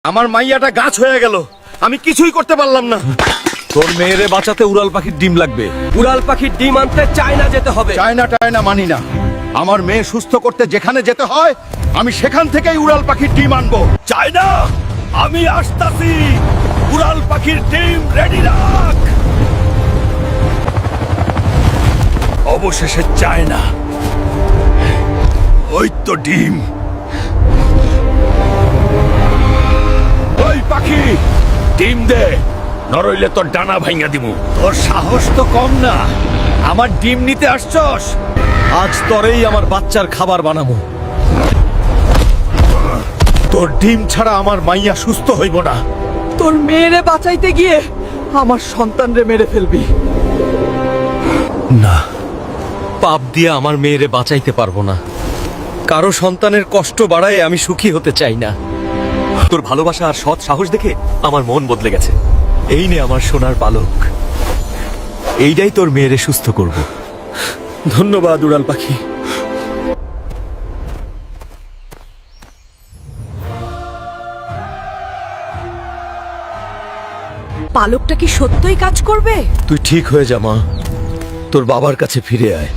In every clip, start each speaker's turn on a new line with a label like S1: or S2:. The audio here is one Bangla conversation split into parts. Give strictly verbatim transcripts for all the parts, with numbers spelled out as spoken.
S1: আমার মাইয়াটা গাছ হয়ে গেল, আমি কিছুই করতে পারলাম না।
S2: তোর মেয়েরে বাঁচাতে উড়াল পাখির ডিম লাগবে।
S3: উড়াল পাখির ডিম আনতে চায়না যেতে হবে।
S1: চায়না টায়না মানি না। আমার মেয়ে সুস্থ করতে যেখানে যেতে হয় আমি সেখান থেকেই উড়াল পাখির ডিম আনবো। চায়না, আমি আসতাছি। উড়াল পাখির ডিম রেডি রাখ। অবশেষে চায়না, ওই তো ডিম। ওই পাখি, ডিম দে, নরইলে তোর ডানা ভাঙা দিমু। তোর সাহস তো কম না, আমার ডিম নিতে আসছস?
S2: আজ তরেই আমার বাচ্চার খাবার বানাবো।
S1: তোর ডিম ছাড়া আমার মাইয়া সুস্থ হইব না।
S3: তোর মেয়েরে বাঁচাইতে গিয়ে আমার সন্তানরে মেরে ফেলবি।
S2: না, পাপ দিয়ে আমার মেয়েরে বাঁচাইতে পারবো না। কারো সন্তানের কষ্ট বাড়ায় আমি সুখী হতে চাই না। তোর ভালোবাসা আর সৎ সাহস দেখে আমার মন বদলে গেছে। এই নে আমার সোনার পালক, এইটাই তোর মেয়েরে সুস্থ করব। ধন্যবাদ উড়াল পাখি।
S4: পালকটা কি সত্যই কাজ করবে?
S2: তুই ঠিক হয়ে যা মা, তোর বাবার কাছে ফিরে আয়।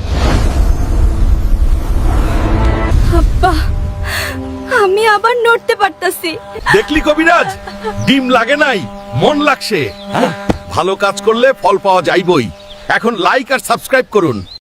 S4: আব্বা, আমি আবার নড়তে পারতাছি।
S1: দেখলি কবিরাজ, ডিম লাগে নাই, মন লাগছে। ভালো কাজ করলে ফল পাওয়া যাইবই। এখন লাইক আর সাবস্ক্রাইব করুন।